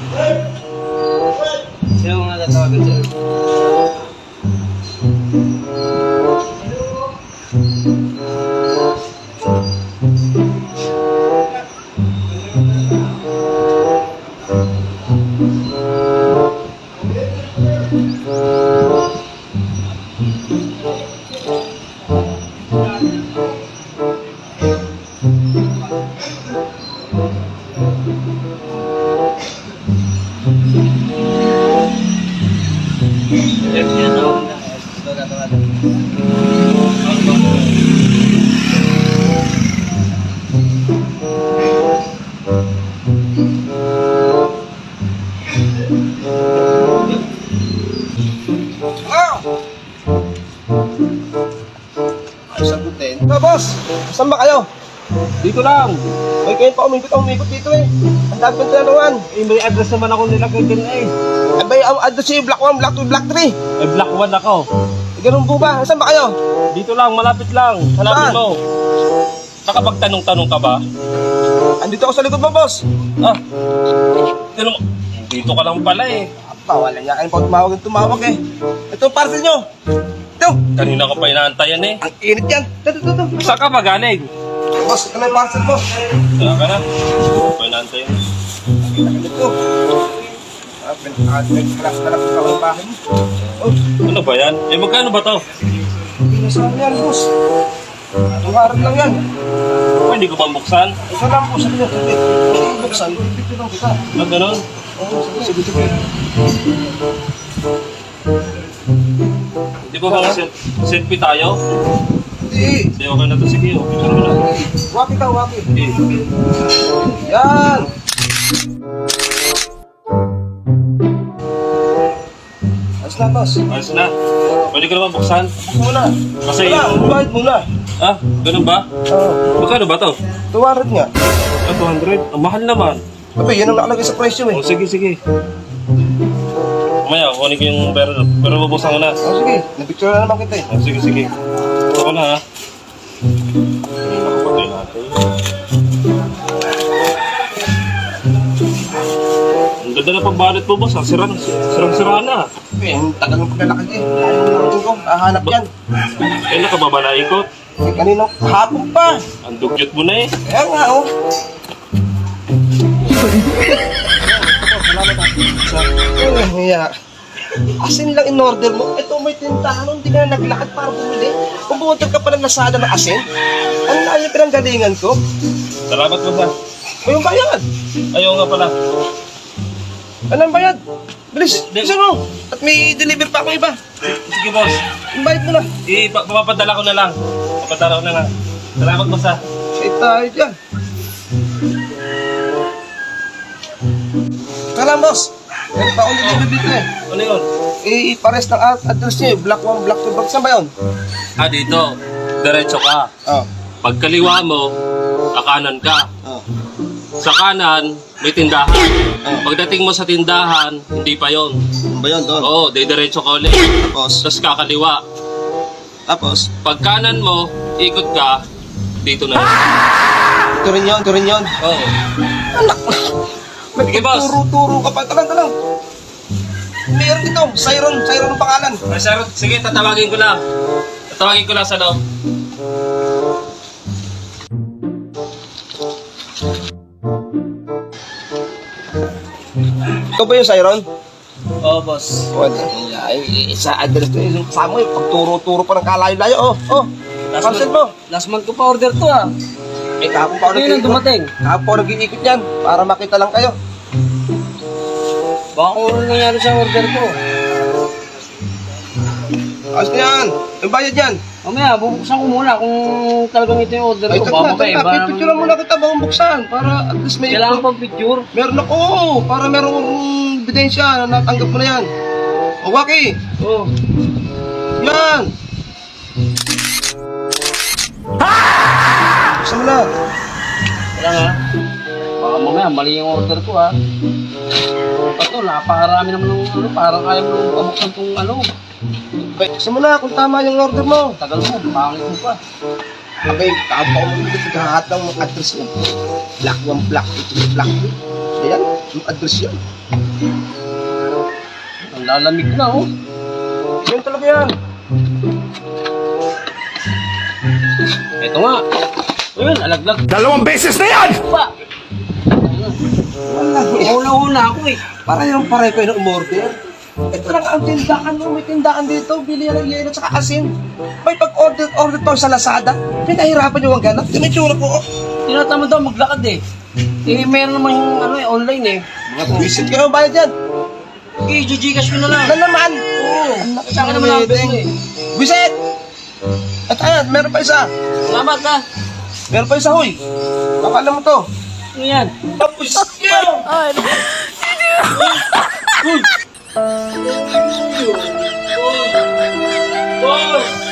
Sino mga tatawagan sir? Boss, saan ba kayo? Dito lang. May kayo pa umikot dito eh. Ang dami kong tinanungan. May address naman ako nilagay dyan eh. Ay ba yung address yung Block 1, Block 2, Block 3? Black 1 ako. Ganun po ba? Saan ba kayo? Dito lang, malapit lang. Hanapin Saan? mo. Nakapagtanong-tanong ka ba? Andito ako sa likod mo, boss. Ah, tanong, dito ka lang pala eh. Wala niya kayo pa tumawag eh. Ito para sa inyo. Ito. Kanina ko pa inaantayan eh. Ang init yan. Ito. Saan ka ba galing? Boss, ito na yung parcel mo. Saan ka na? Kanina ko pa inaantayan. Ito. Pinag-alak sa bahay mo. Oh, Ano ba yan? Eh magkano ba to? hindi na saan yan, boss. Tumarap lang yan. Oh, hindi ko pa buksan. Ito lang po sa inyo. Buksan. Ito lang kita. Ah, ganun? Sige. Di ba mga selfie tayo? Hindi. Hindi, okay na to. Sige, okay na lang. Waki ka, waki. Eh, Yan. Ayos na, boss. ayos na. Pwede ko naman buksan. Buksan mo na. Kasi Wala, bayad muna. Ah, ganun ba? Oo. Magkano ba to? Tuwarad nga. Ah, 200? Ang mahal naman. Abi, yan ang nakalagay sa presyo eh. Oh, sige. Mamaya, kunin ko yung pero bubuksan ko na. Oh, sige. Napicture na naman kita eh. Oh, sige. Ito ko na ha. Nakapatay natin. Ang ganda na pagbalit mo, boss. Sirang-sira na. Ang tagal ng paglalakad eh. Ayaw na rin ko. Hahanap yan. Kailan ka ba ba naikot? Eh, kanina, hapon pa. Ang dugyot mo na eh. Kaya nga oh. Hiya. Asin lang in-order mo. Ito may tindahan, hindi ka na naglakad para bumili. Kung bumunta ka pa ng Lazada ng asin, ano na yung pinanggalingan ko? Salamat mo sa. May bayad. Ayaw nga pala. Anong bayad? Bilis, bilisan mo. At may deliver pa ako iba. Sige, boss. Yung bayad mo na. Papapadala ko na lang. Papadala ko na lang. Salamat mo sa. Say tayo dyan. Kala, boss. Meron pa akong deliver dito eh. Ano yun? Pares ng address niyo, Block 1, Block 2, Block. Saan ba yun? Ah, dito. Diretso ka. Oh. Pag kaliwa mo, kakanan ka. Oh. Sa kanan, may tindahan. Pagdating mo sa tindahan, hindi pa yon. Ano ba yun doon? Oo, diretso ka ulit. Tapos? Tapos kakaliwa. Tapos? Pag kanan mo, ikot ka, dito na. Ito rin yun. Oo. Anak! Sige, boss. Turo ka pa. Talang. Meron dito. Siron ang pangalan. Ay, sir, sige, tatawagin ko lang. Tatawagin ko lang sa loob. Ito ba yung Siron? Oo, boss. Wala. Sa address ko. Yung kasama yung pagturo-turo pa ng kalayo-layo. Oh. Cancel mo. Last month ko pa order to ah. Eh, kahapon pa ako Ngayon dumating. Kahapon pa ako nag-iikot yan. Para makita lang kayo. Baka kung ano nangyari sa order ko. Ayos na yan. Yung bayad yan. Mamaya, bubuksan ko muna kung talagang ito yung order Ay, ko. Baka ba iba? picture lang muna kita bagong buksan. Para at least may... Kailangan pang picture. Meron ako. Para meron ebidensya na natanggap mo na yan. O, Waki. Oo. Yan. Buksan mo na. Wala nga. Baka mamaya, mali yung order ko ha. Ito, napakarami naman ng ano, parang ayaw mo nung pabuksan tong ano. Buksan mo na kung tama yung order mo. Tagal mo, pangit mo pa. Abay, kahapon mo naghahat ng address mo. Black 1, Black 2, Black 3. Ayan. Yung address yan. Ang lalamig na, oh. Yan talaga yan. Ito nga. Ayun, alaglag 2 beses na yan! pa. Wala. Una-una ako eh. Para yung pare ko yung umorder. Ito lang ang tindahan mo. May tindahan dito. Bili yan ng yelo at saka asin. May pag-order to sa Lazada. Pinahirapan yung ang ganap. Yung itsura ko. Tinatamad daw maglakad eh. Eh, meron naman yung ano eh, online eh. Mga visit kayo. Bayad yan. Okay, Gcash ko na lang. Lalaman. Oo. Anak Sa akin naman ang ng eh. Visit! At ayan, meron pa isa. Salamat ha. Meron pa isa, huy. Baka alam mo to. Ano yan? Tapos yun! Boss!